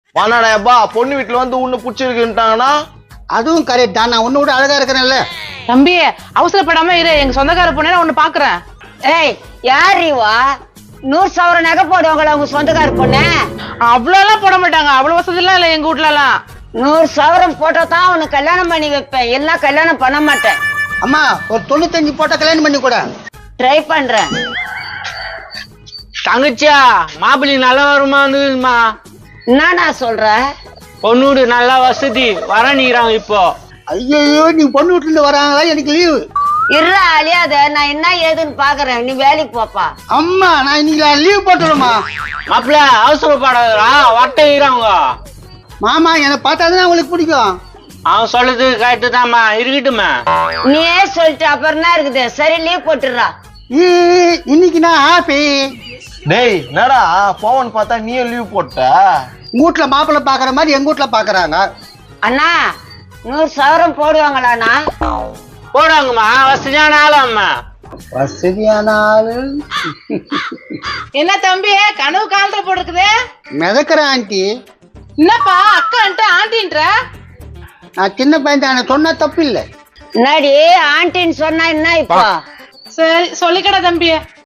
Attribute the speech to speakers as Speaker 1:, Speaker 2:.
Speaker 1: 12,000 பொண்ணு வீட்டுல வந்து உன்னை பிடிச்சிருக்குன்ட்டாங்கன்னா
Speaker 2: அதுவும் கரெக்ட் தான். நான் உன்னை விட அழகா இருக்கிறேன்ல.
Speaker 3: தம்பி அவசரப்படாம இரு, எங்க சொந்தக்கார பொண்ணு ஒண்ணு பாக்குறேன்.
Speaker 4: ஏய் யார் இவா? 100 சவரம் நகை போடுவாங்களா உங்க சொந்தக்கார பொண்ணு?
Speaker 3: அவ்வளவு எல்லாம் போட மாட்டாங்க, அவ்வளவு வசதி எல்லாம் இல்ல எங்க வீட்டுல எல்லாம்.
Speaker 4: 100 சவரம் போட்டா தான் அவனுக்கு கல்யாணம் பண்ணி வைப்பேன், எல்லாம் கல்யாணம் பண்ண மாட்டேன்.
Speaker 2: அம்மா ஒரு 95 போட்டா கல்யாணம் பண்ணி கூட.
Speaker 4: ட்ரை பண்றேன்.
Speaker 5: தங்கச்சியா மாப்பிள்ளை நல்லா வருமானுமா?
Speaker 4: என்னடா சொல்ற?
Speaker 5: பொண்ணு நல்லா வசதி வரணிக்கிறாங்க இப்போ.
Speaker 2: ஐயோ நீ பொண்ணு வீட்டுல இருந்து வராங்களா? எனக்கு லீவு.
Speaker 4: இருடா அழியாத, நான் என்ன ஏதுன்னு பாக்குறேன், நீ வேலைக்கு போப்பா.
Speaker 2: அம்மா நான் இன்னைக்கு லீவ் போட்டுடுமா?
Speaker 5: மாப்பிள்ள அவசரப்படாதா, வட்டைகிறாங்க.
Speaker 2: மாமா என்னை பார்த்தாதான் உங்களுக்கு பிடிக்கும்.
Speaker 5: அவன் சொல்றது கரெக்டு தான்மா, இருக்கட்டுமா.
Speaker 4: நீயே சொல்லிட்டு அப்புறம் என்ன இருக்குது? சரி லீவ் போட்டுடுறா.
Speaker 2: இன்னைக்கு நான் ஹாப்பி.
Speaker 1: டேய் என்னடா போவன் பார்த்தா நீயும் லீவ் போட்ட.
Speaker 2: உங்க வீட்டுல மாப்பிள்ளை பாக்குற மாதிரி எங்க வீட்டுல பாக்குறாங்க.
Speaker 4: அண்ணா 100 சவரம் போடுவாங்களாண்ணா?
Speaker 5: போடுவாங்கம்மா, வசதியான ஆளாம்மா.
Speaker 2: வசதியான ஆளு.
Speaker 3: என்ன தம்பி கனவு காலத்துல போட்டுருக்குது?
Speaker 2: மிதக்கிற ஆண்டி.
Speaker 3: என்னப்பா அக்கான்ட்டு ஆண்டின்ற?
Speaker 2: நான் சின்ன பையன் தானே, சொன்னா தப்பு இல்லை.
Speaker 4: என்னடி ஆண்டின்னு சொன்னா என்ன இப்போ?
Speaker 3: சரி சொல்லிக்கடா தம்பி.